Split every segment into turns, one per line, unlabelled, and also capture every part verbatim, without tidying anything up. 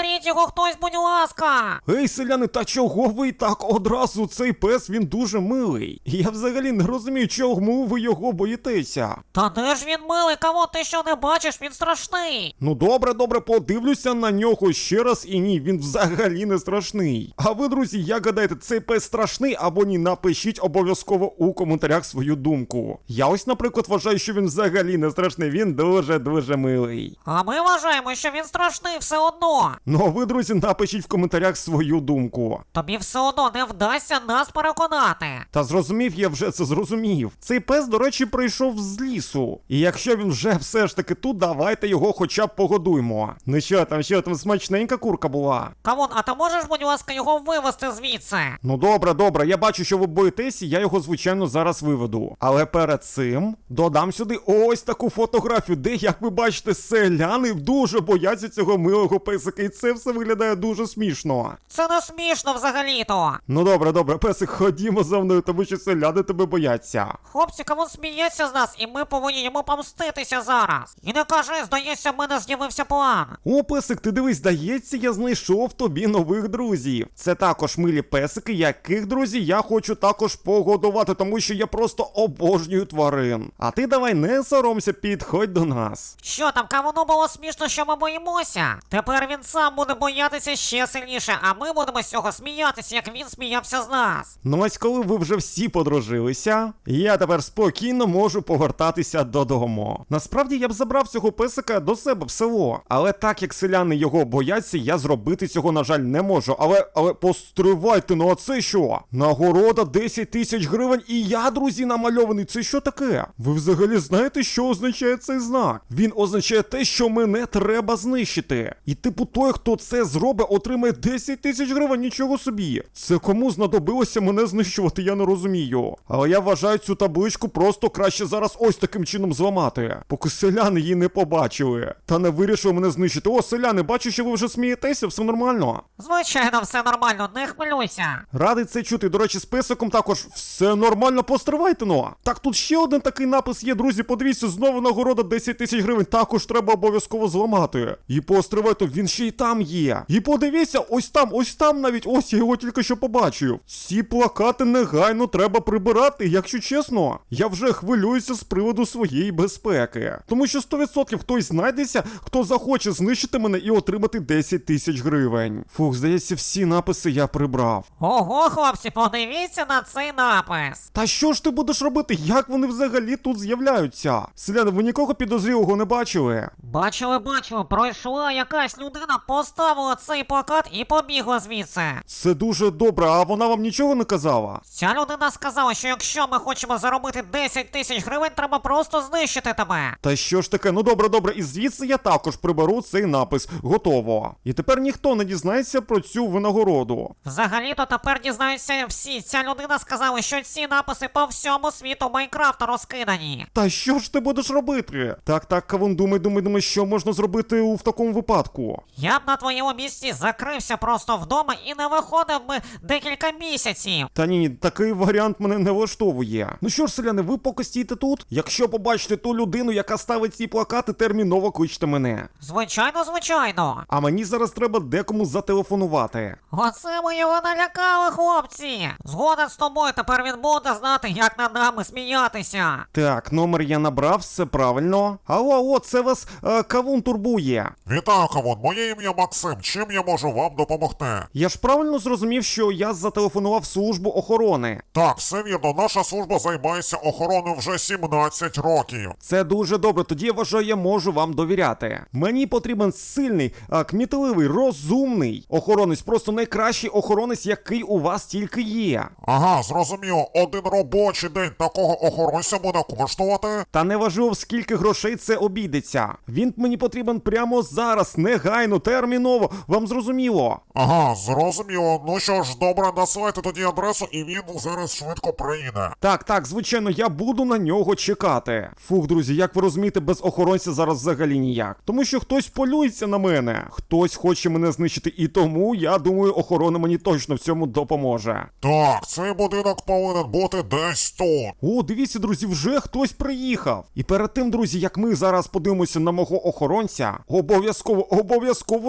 Заберіть його хтось, будь ласка.
Ей, селяни, та чого ви так одразу? Цей пес, він дуже милий. Я взагалі не розумію, чому ви його боїтеся.
Та де ж він милий, кого ти що не бачиш, він страшний.
Ну добре, добре, подивлюся на нього ще раз і ні, він взагалі не страшний. А ви, друзі, як гадаєте, цей пес страшний або ні? Напишіть обов'язково у коментарях свою думку. Я ось, наприклад, вважаю, що він взагалі не страшний, він дуже-дуже милий.
А ми вважаємо, що він страшний все одно.
Ну а ви, друзі, напишіть в коментарях свою думку.
Тобі все одно не вдасться нас переконати.
Та зрозумів, я вже це зрозумів. Цей пес, до речі, прийшов з лісу. І якщо він вже все ж таки тут, давайте його хоча б погодуймо. Ну що там, що там, смачненька курка була?
Кавун, а ти можеш, будь ласка, його вивезти звідси?
Ну добре, добре, я бачу, що ви боїтесь, і я його, звичайно, зараз виведу. Але перед цим додам сюди ось таку фотографію, де, як ви бачите, селяни дуже бояться цього милого песика, і це все виглядає дуже смішно.
Це не смішно взагалі-то.
Ну добре, добре, песик, ходімо за мною, тому що селяни тебе бояться.
Хлопці, Кавун сміється з нас, і ми повинні йому помститися зараз. І не кажи, здається, в мене з'явився план.
О, песик, ти дивись, здається, я знайшов тобі нових друзів. Це також милі песики, яких, друзі, я хочу також погодувати, тому що я просто обожнюю тварин. А ти давай не соромся, підходь до нас.
Що там, Кавуну було смішно, що ми боїмося? Тепер він сам буде боятися ще сильніше, а ми будемо з цього сміятися, як він сміявся з нас.
Ну ось коли ви вже всі подружилися, я тепер спокійно можу повертатися додому. Насправді я б забрав цього песика до себе в село, але так як селяни його бояться, я зробити цього, на жаль, не можу. Але, але постривайте, ну а це що? Нагорода десять тисяч гривень і я, друзі, намальований. Це що таке? Ви взагалі знаєте, що означає цей знак? Він означає те, що мене треба знищити. І типу той, хто це зробить, отримає десять тисяч гривень, нічого собі. Це кому знадобилося мене знищувати, я не розумію. Але я вважаю цю табличку просто краще зараз ось таким чином зламати, поки селяни її не побачили. Та не вирішили мене знищити. О, селяни, бачу, що ви вже смієтеся, все нормально.
Звичайно, все нормально, не хвилюйся.
Радий це чути. До речі, з песиком також все нормально, постривайте, ну. Так, тут ще один такий напис є, друзі, подивіться, знову нагорода десять тисяч гривень, також треба обов'язково зламати. І постривайте, він ще й там є. І подивіться, ось там, ось там навіть, ось я його тільки що побачив. Ці плакати негайно треба прибирати, якщо чесно. Я вже хвилююся з приводу своєї безпеки. Тому що сто відсотків хтось знайдеться, хто захоче знищити мене і отримати десять тисяч гривень. Фух, здається, всі написи я прибрав.
Ого, хлопці, подивіться на цей напис.
Та що ж ти будеш робити? Як вони взагалі тут з'являються? Селяни, ви нікого підозрілого не бачили?
Бачили, бачили, пройшла якась людина, поставила цей плакат і побігла звідси.
Це дуже добре, а вона вам нічого не казала?
Ця людина сказала, що якщо ми хочемо заробити десять тисяч гривень, треба просто знищити тебе.
Та що ж таке? Ну добре, добре, і звідси я також приберу цей напис. Готово. І тепер ніхто не дізнається про цю винагороду.
Взагалі-то тепер дізнаються всі. Ця людина сказала, що ці написи по всьому світу Майнкрафта розкидані.
Та що ж ти будеш робити? Так, так, Кавун, думай, думай, думай, що можна зробити у в такому випадку.
Я б на твоєму місці закрився просто вдома і не виходив би декілька місяців.
Та ні, такий варіант мене не влаштовує. Ну що ж, селяни, ви поки стійте тут. Якщо побачите ту людину, яка ставить ці плакати, терміново кличте мене.
Звичайно, звичайно.
А мені зараз треба декому зателефонувати.
Оце ми його налякали, хлопці. Згоден з тобою, тепер він буде знати, як над нами сміятися.
Так, номер я набрав, все правильно. Алло, алло, це вас е, Кавун турбує.
Вітаю, Кавун, моє ім'я Максим, чим я можу вам допомогти?
Я ж правильно зрозумів, що я зателефонував в службу охорони.
Так, все вірно, наша служба займається охороною вже сімнадцять років.
Це дуже добре, тоді я вважаю, я можу вам довіряти. Мені потрібен сильний, а, кмітливий, розумний охоронець, просто найкращий охоронець, який у вас тільки є.
Ага, зрозуміло, один робочий день такого охоронця буде коштувати?
Та неважливо, скільки грошей це обійдеться. Він мені потрібен прямо зараз, негайно, терміново, вам зрозуміло?
Ага, зрозуміло, ну що ж, добре, насилайте тоді адресу і він зараз швидко приїде.
Так, так, звичайно, я буду на нього чекати. Фух, друзі, як ви розумієте, без охоронця зараз взагалі ніяк. Тому що хтось полюється на мене, хтось хоче мене знищити, і тому, я думаю, охорона мені точно в цьому допоможе.
Так, цей будинок повинен бути десь тут.
О, дивіться, друзі, вже хтось приїхав. І перед тим, друзі, як ми зараз подивимося на мого охоронця, обов'язково, обов'язково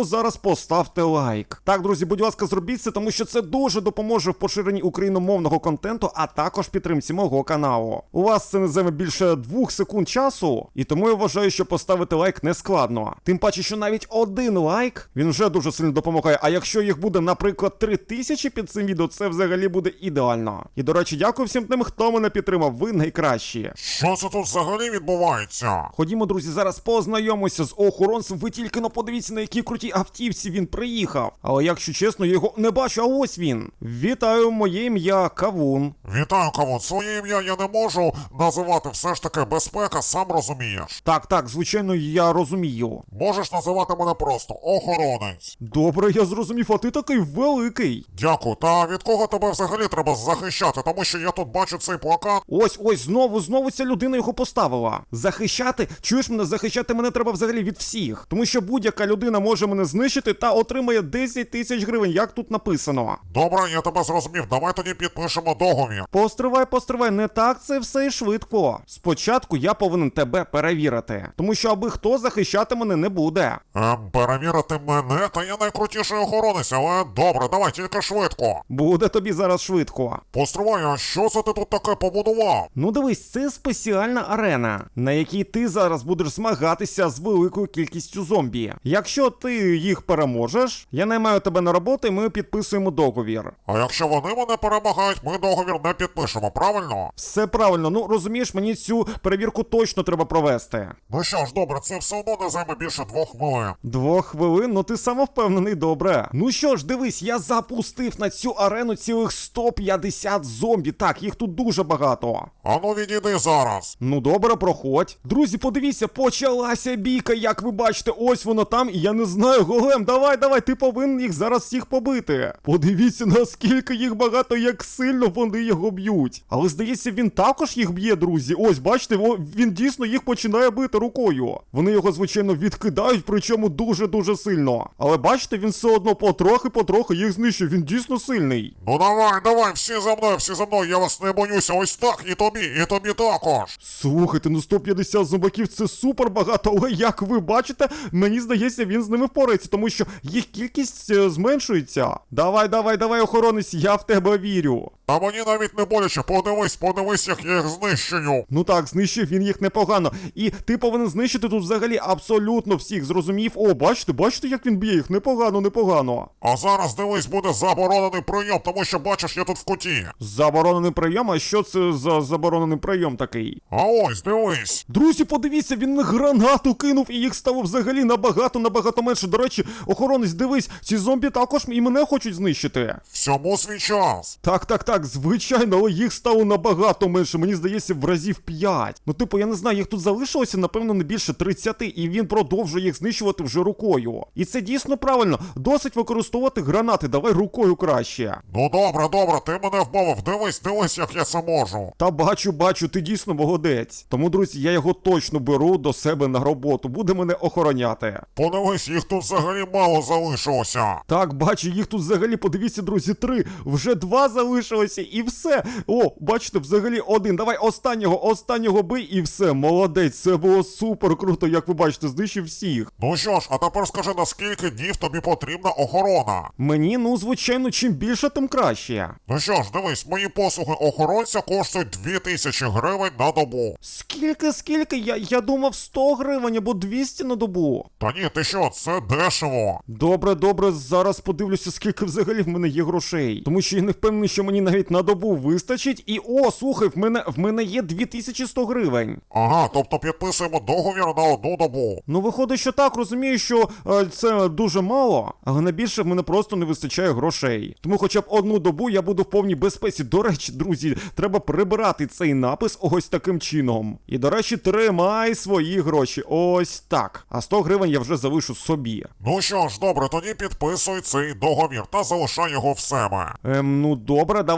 зараз поставте лайк. Так, друзі, будь ласка, зробіть це, тому що це дуже допоможе в поширенні україномовного контенту, а також підтримці мого каналу. У вас це не займе більше двох секунд часу, і тому я вважаю, що поставити лайк не складно. Тим паче, що навіть один лайк, він вже дуже сильно допомагає, а якщо їх буде, наприклад, три тисячі під цим відео, це взагалі буде ідеально. І, до речі, дякую всім тим, хто мене підтримав, ви найкращі.
Що це тут взагалі відбувається?
Ходімо, друзі, зараз познайомимося з охоронцем, ви тільки но подивіться, на якій крутій автівці він приїхав. Але, якщо чесно, я його не бачу, а ось він. Вітаю, моє ім'я Кавун.
Вітаю, Кавун. Своє ім'я я не можу називати, все ж таки безпека, сам розумієш.
Так, так, звичайно, я розумію.
Можеш називати мене просто охоронець.
Добре, я зрозумів, а ти такий великий.
Дякую, та від кого тебе взагалі треба захищати, тому що я тут бачу цей плакат.
Ось, ось, знову, знову ця людина його поставила. Захищати? Чуєш мене, захищати мене треба взагалі від всіх. Тому що будь-яка людина може мене знищити та отримає десять тисяч гривень, як тут написано.
Добре, я тебе зрозумів, давай тоді підпишемо договір.
Постривай, постривай, не так це все і швидко. Спочатку я повинен тебе перевірити. Тому що аби хто захищати мене не буде.
Ем, перевірити мене, та я найкрутіший охоронець, але добре, давай тільки швидко.
Буде тобі зараз швидко.
Постривай, а що це ти тут таке побудував?
Ну дивись, це спеціальна арена, на якій ти зараз будеш змагатися з великою кількістю зомбі. Якщо ти їх переможеш, я наймаю тебе на роботу і ми підписуємо договір.
А якщо вони мене перемагають, ми договір не підпишемо, правильно?
Все правильно, ну розумієш, мені цю перевірку точно треба провести.
Ну що ж, добре, це все одно не займе більше двох хвилин.
Двох хвилин, ну ти самовпевнений, добре. Ну що ж, дивись, я запустив на цю арену цілих сто п'ятдесят зомбі. Так, їх тут дуже багато.
Ану відійди зараз.
Ну добре, проходь. Друзі, подивіться, почалася бійка, як ви бачите, ось воно там, і я не знаю, Голем, давай, давай, ти повинен їх зараз всіх побити. Подивіться, наскільки їх багато, як сильно вони його б'ють. Але здається, він також їх б'є, друзі. Ось, бачите, він дійсно їх починає бити рукою. Вони його, звичайно, відкидають, причому дуже-дуже сильно. Але бачите, він все одно потрохи-потрохи їх знищує, він дійсно сильний.
Ну давай, давай, всі за мною, всі за мною, я вас не боюся, ось так, і тобі, і тобі також.
Слухайте, ну сто п'ятдесят зомбаків це супер багато, але як ви бачите, мені здається, він з ними впорається, тому що їх кількість е, зменшується. Давай, давай, давай, охоронець, я в тебе вірю.
Та мені навіть не боляче, подивись, подивись, як я їх знищую.
Ну так, знищив він їх непогано. І ти повинен знищити тут взагалі абсолютно всіх, зрозумів? О, бачите, бачите, як він б'є їх? Непогано, непогано.
А зараз, дивись, буде заборонений прийом, тому що, бачиш, я тут в куті.
Заборонений прийом? А що це за заборонений прийом такий?
А ось, дивись.
Друзі, подивіться, він на гранату кинув, і їх стало взагалі набагато-набагато менше. До речі, охоронець, дивись, ці зомбі також і мене хочуть знищити.
Всьому свій час.
Так, так, так, звичайно, але їх стало набагато менше, мені здається, в разів п'ять. Ну, типу, я не знаю, їх тут залишилося, напевно, не більше тридцяти, і він продовжує їх знищувати вже рукою. І це дійсно правильно, досить використовувати гранати, давай рукою краще.
Ну добре, добре, ти мене вмовив, дивись, дивись, як я це можу.
Та бачу, бачу, ти дійсно молодець. Тому, друзі, я його точно беру до себе на роботу, буде мене охороняти.
Подивись, їх тут взагалі мало залишилося.
Так, бачу, їх тут взагалі, подивіться, друзі, три. Вже два залишилося і все. О, бачите, взагалі один. Давай останнього, останнього бий і все. Молодець, це було супер круто, як ви бачите, знищив всіх.
Ну що ж, а тепер скажи, на скільки днів тобі потрібна охорона?
Мені, ну, звичайно, чим більше, тим краще.
Ну що ж, дивись, мої послуги охоронця коштують дві тисячі гривень на добу.
Скільки, скільки? Я, я думав сто гривень або двісті на добу.
Та ні, ти що, це дешево.
Добре, добре, зараз подивлюся, скільки взагалі в мене є грошей. Тому що я не впевнений, що мені навіть на добу вистачить. І о, слухай, в мене, в мене є дві тисячі сто гривень.
Ага, тобто підписуємо договір на одну добу.
Ну, виходить, що так, розумію, що е, це дуже мало, але на більше в мене просто не вистачає грошей. Тому хоча б одну добу я буду в повній безпеці. До речі, друзі, треба прибирати цей напис ось таким чином. І, до речі, тримай свої гроші. Ось так. А сто гривень я вже залишу собі.
Ну що ж, добре, тоді підписуй цей договір та залишай його в себе.
Ем, ну добре, давай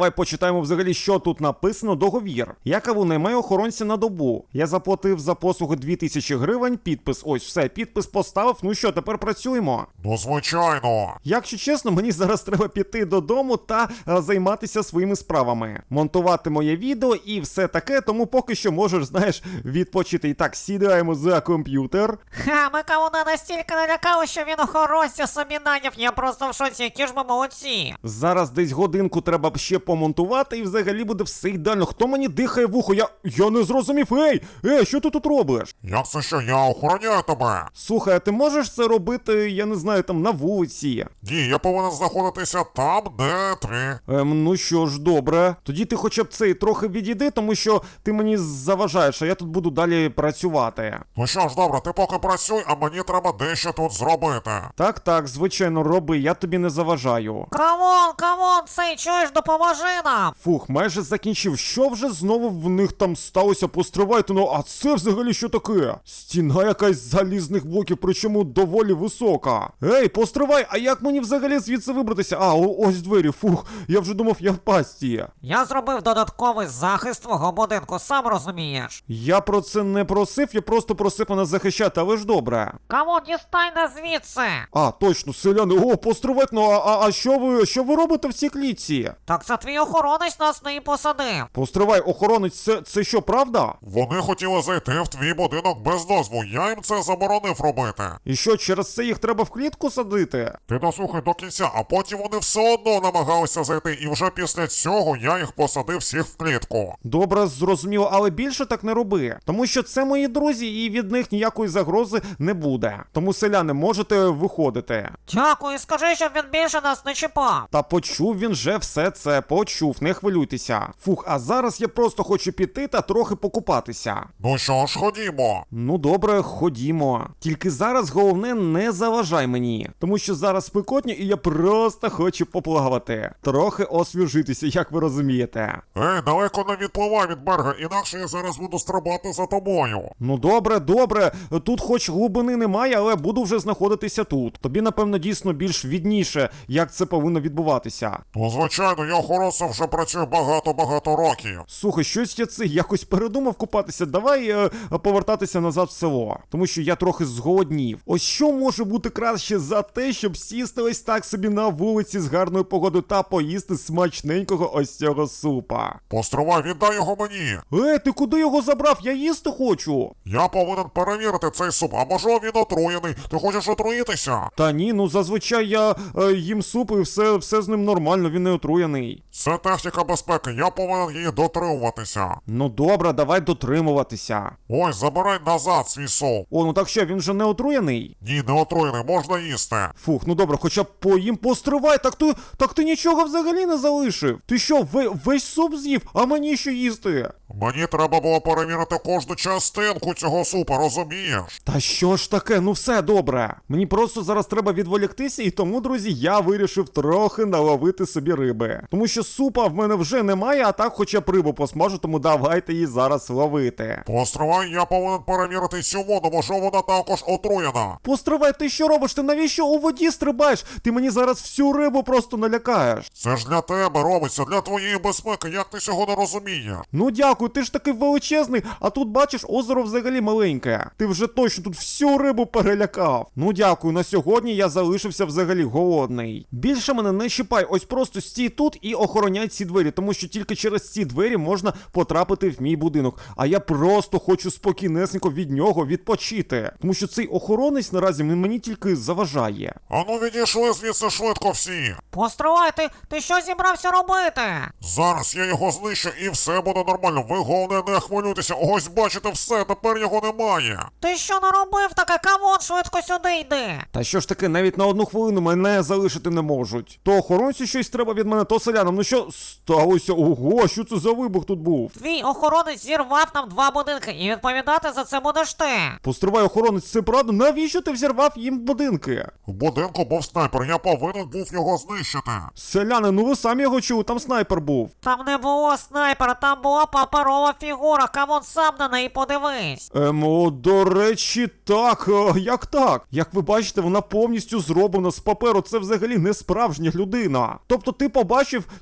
давай почитаємо взагалі, що тут написано. Договір. Я каву наймаю охоронця на добу. Я заплатив за послуги дві тисячі гривень, підпис, ось все, підпис поставив, ну що, тепер працюємо.
Ну, звичайно.
Якщо чесно, мені зараз треба піти додому та а, займатися своїми справами. Монтувати моє відео і все таке, тому поки що можеш, знаєш, відпочити. І так, сідаємо за комп'ютер.
Ха, ми кавуна настільки налякали, що він охоронця собі наняв. Я просто в шоці, які ж ми молодці.
Зараз десь годинку треба б ще помонтувати і взагалі буде все ідеально. Хто мені дихає в ухо? Я, я не зрозумів. Ей, ей, що ти тут робиш?
Як це що, я охороняю тебе?
Слухай, а ти можеш це робити, я не знаю, там на вулиці?
Ні, я повинен знаходитися там, де ти.
Ем, ну що ж, добре. Тоді ти хоча б цей трохи відійди, тому що ти мені заважаєш, а я тут буду далі працювати.
Ну що ж, добре, ти поки працюй, а мені треба дещо тут зробити.
Так, так, звичайно, роби, я тобі не заважаю.
Камон, камон, цей, чуєш, допоможи нам.
Фух, майже закінчив. Що вже знову в них там сталося? Постривайте, ну а це взагалі що таке? Стіна якась з залізних блоків, причому доволі висока. Ей, постривай, а як мені взагалі звідси вибратися? А, о- ось двері, фух, я вже думав, я в пастці.
Я зробив додатковий захист твого будинку, сам розумієш.
Я про це не просив, я просто просив мене захищати, але ж добре.
Камон, дістай нас звідси.
А, точно, селяни, о, постривайте, ну а, а, а що ви, що ви робите в цій клітці?
Так це твій охоронець нас не посадив.
Постривай, охоронець, це, це що, правда?
Вони хотіли зайти в твій будинок без дозволу, я їм це заборонив робити.
І що, через це їх треба в клітку садити?
Ти дослухай до кінця, а потім вони все одно намагалися зайти, і вже після цього я їх посадив всіх в клітку.
Добре, зрозуміло, але більше так не роби. Тому що це мої друзі, і від них ніякої загрози не буде. Тому, селяни, можете виходити.
Дякую, скажи, щоб він більше нас не чіпав.
Та почув він же все це, почув, не хвилюйтеся. Фух, а зараз я просто хочу піти та трохи покупатися.
Ну що ж, ходімо.
Ну добре, ходімо. Тільки зараз головне не заважай мені, тому що зараз спекотні і я просто хочу поплавати. Трохи освіжитися, як ви розумієте.
Ей, далеко не відпливай від берега, інакше я зараз буду стрибати за тобою.
Ну добре, добре. Тут хоч глибини немає, але буду вже знаходитися тут. Тобі, напевно, дійсно більш відніше, як це повинно відбуватися.
Ну, звичайно, я охоронцем вже працюю багато-багато років.
Слухай, щось я це якось передумав купатися. Давай е, повертатися назад в село, тому що я трохи зголоднів. Ось що може бути краще за те, щоб сісти ось так собі на вулиці з гарною погодою та поїсти смачненького ось цього супа.
Постривай, віддай його мені.
Ей, ти куди його забрав? Я їсти хочу.
Я повинен перевірити цей суп, а може він отруєний. Ти хочеш отруїтися?
Та ні, ну зазвичай я е, їм суп і все, все з ним нормально, він не отруєний.
Це техніка безпеки, я повинен її дотримуватися.
Ну добре, давай дотримуватися.
Ось, забирай назад свій суп.
О, ну так що, він же не отруєний?
Ні, не отруєний, можна їсти.
Фух, ну добре, хоча б поїм постривай, так ти, так ти нічого взагалі не залишив. Ти що, ве, весь суп з'їв, а мені що їсти?
Мені треба було перевірити кожну частинку цього супа, розумієш?
Та що ж таке, ну все добре. Мені просто зараз треба відволіктися, і тому, друзі, я вирішив трохи наловити собі риби. Тому що супа в мене вже немає, а так хоча б рибу посмажу, тому давайте її зараз ловити.
Постривай, я повинен перевірити цю воду, може вона також отруєна.
Постривай, ти що робиш? Ти навіщо у воді стрибаєш? Ти мені зараз всю рибу просто налякаєш.
Це ж для тебе робиться, для твоєї безпеки, як ти цього не розумієш?
Ну дякую, ти ж такий величезний, а тут бачиш, озеро взагалі маленьке. Ти вже точно тут всю рибу перелякав. Ну дякую, на сьогодні я залишився взагалі голодний. Більше мене не чіпай, ось просто стій тут і охороняй ці двері, тому що тільки через ці двері можна потрапити в мій будинок. А я просто хочу спокійнесенько від нього відпочити. Тому що цей охоронець наразі мені тільки заважає.
Ану відійшли звідси швидко всі.
Постривай, ти, ти що зібрався робити?
Зараз я його знищу і все буде нормально. Ви головне не хвилюйтеся. Ось бачите все, тепер його немає.
Ти що наробив таке? Камон, швидко сюди йди.
Та що ж таки, навіть на одну хвилину мене залишити не можуть. То охоронцю щось треба від мене, то селянам. Ну що сталося? Ого, що це за вибух тут був?
Твій охоронець зірвав нам два будинки, і відповідати за це будеш ти.
Постривай, охоронець, це правда? Навіщо ти взірвав їм будинки?
В будинку був снайпер, я повинен був його знищити.
Селяни, ну ви самі його чули, там снайпер був.
Там не було снайпера, там була паперова фігура, камон, сам на неї подивись.
Ем, о, до речі, так, е, як так? Як ви бачите, вона повністю зроблена з паперу, це взагалі не справжня людина. Тобто ти побачив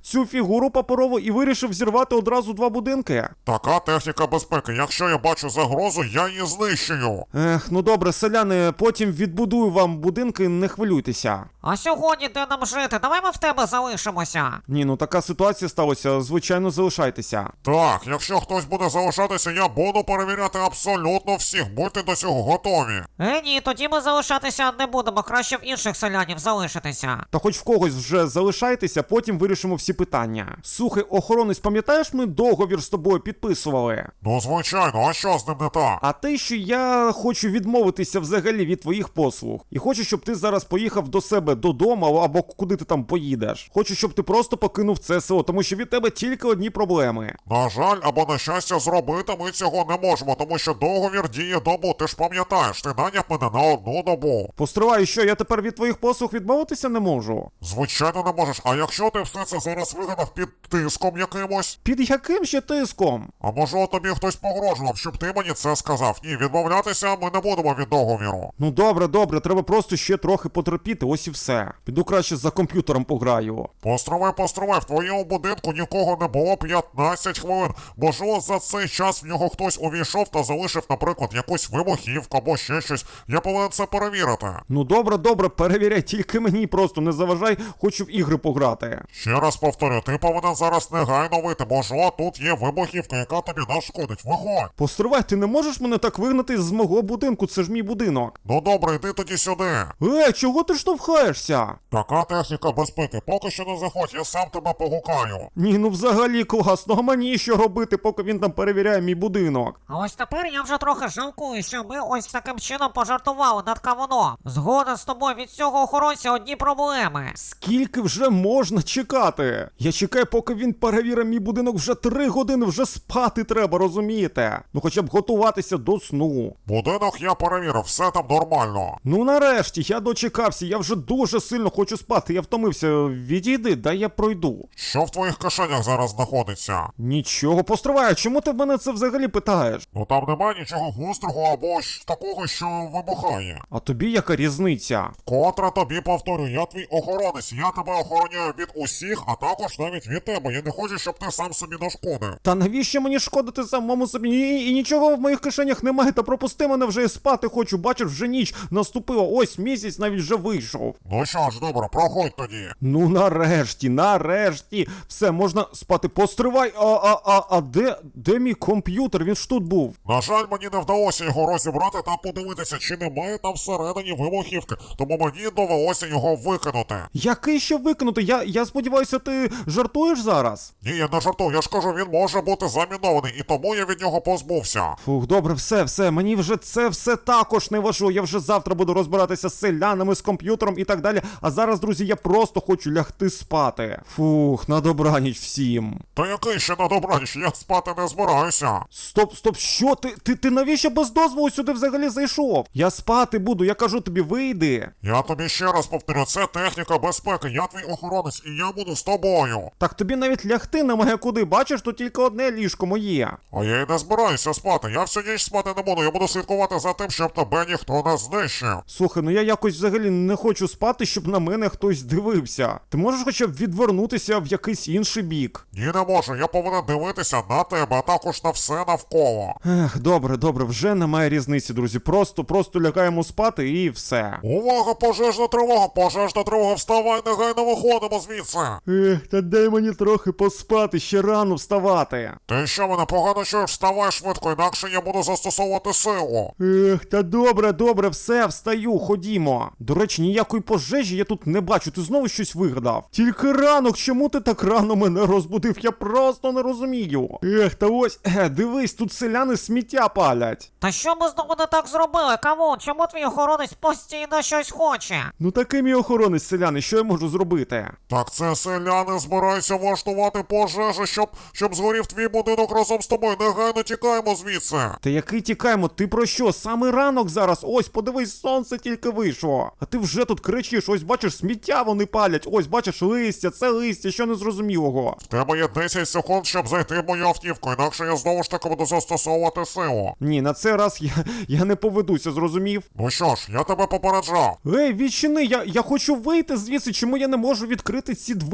цю фігуру паперову і вирішив зірвати одразу два будинки?
Така техніка безпеки. Якщо я бачу загрозу, я її знищую.
Ех, ну добре, селяни, потім відбудую вам будинки, не хвилюйтеся.
А сьогодні де нам жити? Давай ми в тебе залишимося.
Ні, ну така ситуація сталася, звичайно, залишайтеся.
Так, якщо хтось буде залишатися, я буду перевіряти абсолютно всіх. Будьте до цього готові.
Е, ні, тоді ми залишатися не будемо, краще в інших селянів залишитися.
Та хоч в когось вже залишайтеся, потім вирішимо всі питання. Слухай, охоронець, пам'ятаєш, ми договір з тобою підписували?
Ну, звичайно, а що з ним не так?
А те, що я хочу відмовитися взагалі від твоїх послуг. І хочу, щоб ти зараз поїхав до себе додому або куди ти там поїдеш. Хочу, щоб ти просто покинув це село, тому що від тебе тільки одні проблеми.
На жаль, або на щастя, зробити ми цього не можемо, тому що договір діє добу, ти ж пам'ятаєш, ти наняв мене на одну добу.
Постривай, що я тепер від твоїх послуг відмовитися не можу?
Звичайно не можеш, а якщо ти все це зараз вигадав під тиском якимось?
Під яким ще тиском?
А може тобі хтось погрожував, щоб ти мені це сказав? Ні, відмовлятися ми не будемо від договіру.
Ну добре, добре, треба просто ще трохи потерпіти, ось і все. Піду краще за комп'ютером пограю.
Постривай, постривай, в твоєму будинку нікого не було п'ятнадцять хвилин. Можливо, за цей час в нього хтось увійшов та залишив, наприклад, якусь вибухівку або ще щось. Я повинен це перевірити.
Ну добре, добре, перевіряй, тільки мені просто не заважай, хочу в ігри пограти.
Ще раз повторю, ти повинен зараз негайно вийти, можливо, тут є вибухівка, яка тобі нашкодить. Виходь!
Постривай, ти не можеш мене так вигнати з мого будинку, це ж мій будинок.
Ну добре, йди тоді сюди.
Е, чого ти штовхаєшся?
Така техніка безпеки, поки що не заходь, я сам тебе погукаю.
Ні, ну взагалі класно, а мені що робити, поки він там перевіряє мій будинок?
А ось тепер я вже трохи жалкую, що ми ось таким чином пожартували над кавуном. Згоден з тобою, від цього охоронця одні проблеми.
Скільки вже можна чекати? Я чекаю, поки він перевірить мій будинок вже три години, вже спати треба, розумієте? Ну хоча б готуватися до сну.
Будинок я перевірив, все там нормально.
Ну нарешті, я дочекався, я вже дуже сильно хочу спати, я втомився. Відійди, дай я пройду.
Що в твоїх кишенях зараз знаходиться?
Нічого, постривай, чому ти в мене це взагалі питаєш?
Ну там немає нічого гострого або ж такого, що вибухає.
А тобі яка різниця?
Котре тобі повторю, я твій охоронець, я тебе охороняю від усіх, а також навіть від тебе. Я не хочу, щоб ти сам собі нашкодив.
Та навіщо мені шкодити самому собі? І, і нічого в моїх кишенях немає, та пропусти мене вже і спати хочу, бачиш, вже ніч наступила, ось місяць навіть вже вийшов.
Ну що ж, добре, проходь тоді.
Ну нарешті, нарешті, все, можна спати, постривай, а, а, а, а де, де мій комп'ютер, він ж тут був?
На жаль, мені не вдалося його розібрати та подивитися, чи немає там всередині вибухівки, тому мені довелося його викинути.
Який ще викинути? Я, я сподіваюся, ти жартуєш зараз?
Ні, я не жартую, я ж кажу, він може бути замінований, і тому я від нього позбувся.
Фух, добре, все, все, мені вже це все також не важливо. Я вже завтра буду розбиратися з селянами, з комп'ютером і так далі. А зараз, друзі, я просто хочу лягти спати. Фух, на добраніч всім.
Та який ще на добраніч, я спати не збираюся.
Стоп, стоп, що ти? Ти, ти навіщо без дозволу сюди взагалі зайшов? Я спати буду, я кажу тобі, вийди.
Я тобі ще раз повторю, це техніка безпеки, я твій охоронець, і я буду з тобою.
Так тобі навіть лягти немає куди, бачиш, тут тільки одне ліжко моє.
А я й не збираюся спати, я всю ніч спати не буду, я буду слідкувати за тим, щоб тебе ніхто не знищив.
Слухай, ну я якось взагалі не хочу спати, щоб на мене хтось дивився. Ти можеш хоча б відвернутися в якийсь інший бік?
Ні, не можу, я повинен дивитися на тебе, а також на все навколо.
Ех, добре, добре, вже немає різниці, друзі. Просто, просто лягаємо спати і все.
Увага, пожежна тривога, пожежна тривога, вставай, негайно виходимо звідси.
Ех, та дай мені трохи поспати, ще рано вставати.
Ти що, мене погано чуєш, вставай швидко, інакше я буду застосовувати силу.
Ех, та добре, добре, все, встаю, ходімо. До речі, ніякої пожежі я тут не бачу, ти знову щось вигадав. Тільки ранок, чому ти так рано мене розбудив? Я просто не розумію. Ех, та ось, е, дивись, тут селяни сміття палять.
Та що ми знову не так зробили, кавун? Чому твій охоронець постійно щось хоче?
Ну такий мій охоронець, селяни, що я можу зробити?
Так це селяни збираються влаштувати пожежу, щоб, щоб згорів твій будинок разом з тобою. Негайно тікаємо звідси.
Та який тікаємо? Ти про що? Саме ранок зараз. Ось, подивись, сонце тільки вийшло. А ти вже тут кричиш, ось бачиш, сміття вони палять. Ось бачиш, листя, це листя, що незрозумілого.
В тебе є десять секунд, щоб зайти в мою автівку, інакше я знову ж таки буду застосовувати силу.
Ні, на цей раз я, я не поведуся, зрозумів?
Ну що ж, я тебе попереджав.
Ей, відчини, я, я хочу вийти звідси, чому я не можу відкрити ці двері? Двері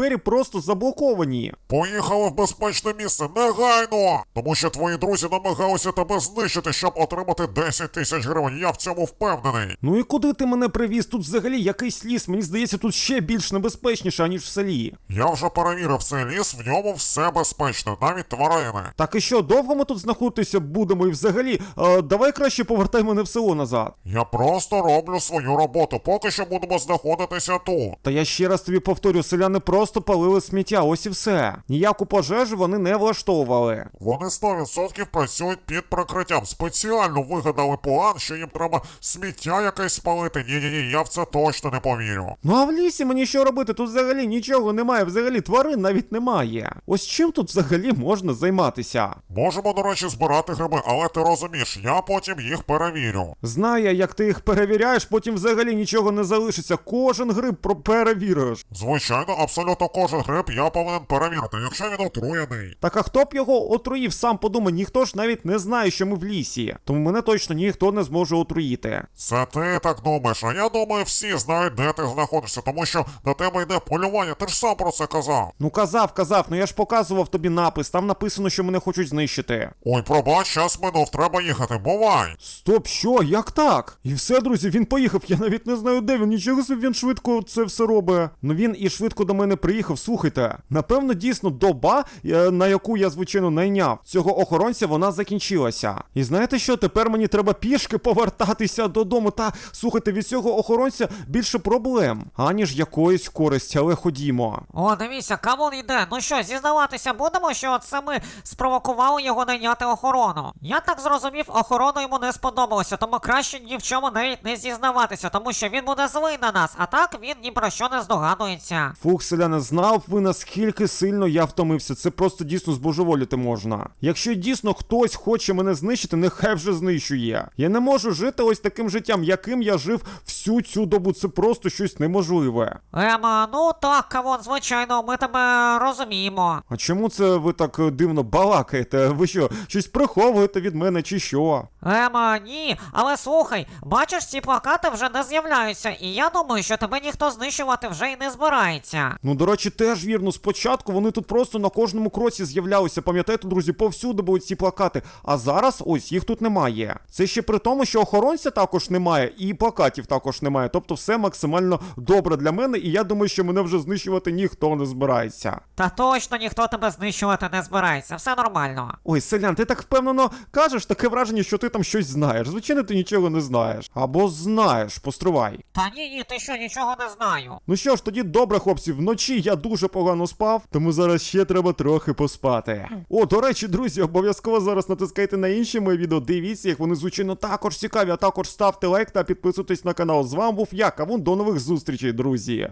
двері просто заблоковані.
Поїхали в безпечне місце, негайно! Тому що твої друзі намагалися тебе знищити, щоб отримати десять тисяч гривень, я в цьому впевнений.
Ну і куди ти мене привіз? Тут взагалі якийсь ліс, мені здається, тут ще більш небезпечніше, аніж в селі.
Я вже перевірив цей ліс, в ньому все безпечно, навіть тварини.
Так і що, довго ми тут знаходитися будемо? І взагалі, е, давай краще повертай мене в село назад.
Я просто роблю свою роботу, поки що будемо знаходитися тут.
Та я ще раз тобі повторю, селяни просто палили сміття, ось і все. Ніяку пожежу вони не влаштовували.
Вони сто відсотків працюють під прикриттям. Спеціально вигадали план, що їм треба сміття якесь спалити. Ні-ні-ні, я в це точно не повірю.
Ну а в лісі мені що робити? Тут взагалі нічого немає, взагалі тварин навіть немає. Ось чим тут взагалі можна займатися?
Можемо, до речі, збирати гриби, але ти розумієш, я потім їх перевірю.
Знаю, як ти їх перевіряєш, потім взагалі нічого не залишиться. Кожен гриб про- перевіриш.
Звичайно, абсолютно кожен гриб я повинен перевірити, якщо він отруєний.
Так а хто б його отруїв, сам подумай, ніхто ж навіть не знає, що ми в лісі. Тому мене точно ніхто не зможе отруїти.
Це ти так думаєш, а я думаю, всі знають, де ти знаходишся, тому що до тебе йде полювання, ти ж сам про це казав.
Ну казав, казав, ну я ж показував тобі напис, там написано, що мене хочуть знищити.
Ой, пробач, час минув, треба їхати, бувай.
Стоп, що? Як так? І все, друзі, він поїхав, я навіть не знаю де він, нічого собі він швидко це все робить. Ну він і швидко до мене приїхав, слухайте. Напевно, дійсно, доба, е, на яку я, звичайно, найняв цього охоронця, вона закінчилася. І знаєте що, тепер мені треба пішки повертатися додому, та, слухайте, від цього охоронця більше проблем, аніж якоїсь користі, але ходімо.
О, дивіться, камон йде. Ну що, зізнаватися будемо, що це ми спровокували його найняти охорону. Я так зрозумів, охорона йому не сподобалося, тому краще ні в чому навіть не зізнаватися, тому що він буде злий на нас, а так він ні про що не здогадується.
Фух, селяни, знав б ви, наскільки сильно я втомився. Це просто дійсно збожеволіти можна. Якщо дійсно хтось хоче мене знищити, нехай вже знищує. Я не можу жити ось таким життям, яким я жив всю цю добу. Це просто щось неможливе.
Ема, ну так, камон, звичайно, ми тебе розуміємо.
А чому це ви так е, дивно балакаєте? Ви що, щось приховуєте від мене чи що?
Ема, ні, але слухай, бачиш, ці плакати вже не з'являються, і я думаю, що тебе ніхто знищувати вже й не збирається.
Ну, до речі, теж вірно, спочатку вони тут просто на кожному кроці з'являлися. Пам'ятаєте, друзі, повсюди були ці плакати. А зараз ось їх тут немає. Це ще при тому, що охоронця також немає, і плакатів також немає. Тобто все максимально добре для мене, і я думаю, що мене вже знищувати ніхто не збирається.
Та точно ніхто тебе знищувати не збирається, все нормально.
Ой, селян, ти так впевнено кажеш, таке враження, що ти там щось знаєш. Звичайно, ти нічого не знаєш. Або знаєш, постривай.
Та ні, ні, ти що, нічого не знаю.
Ну що ж, тоді добре, хлопці, вночі я дуже погано спав, тому зараз ще треба трохи поспати. О, до речі, друзі, обов'язково зараз натискайте на інші мої відео, дивіться їх, вони звичайно також цікаві, а також ставте лайк та підписуйтесь на канал. З вами був я, Кавун, до нових зустрічей, друзі.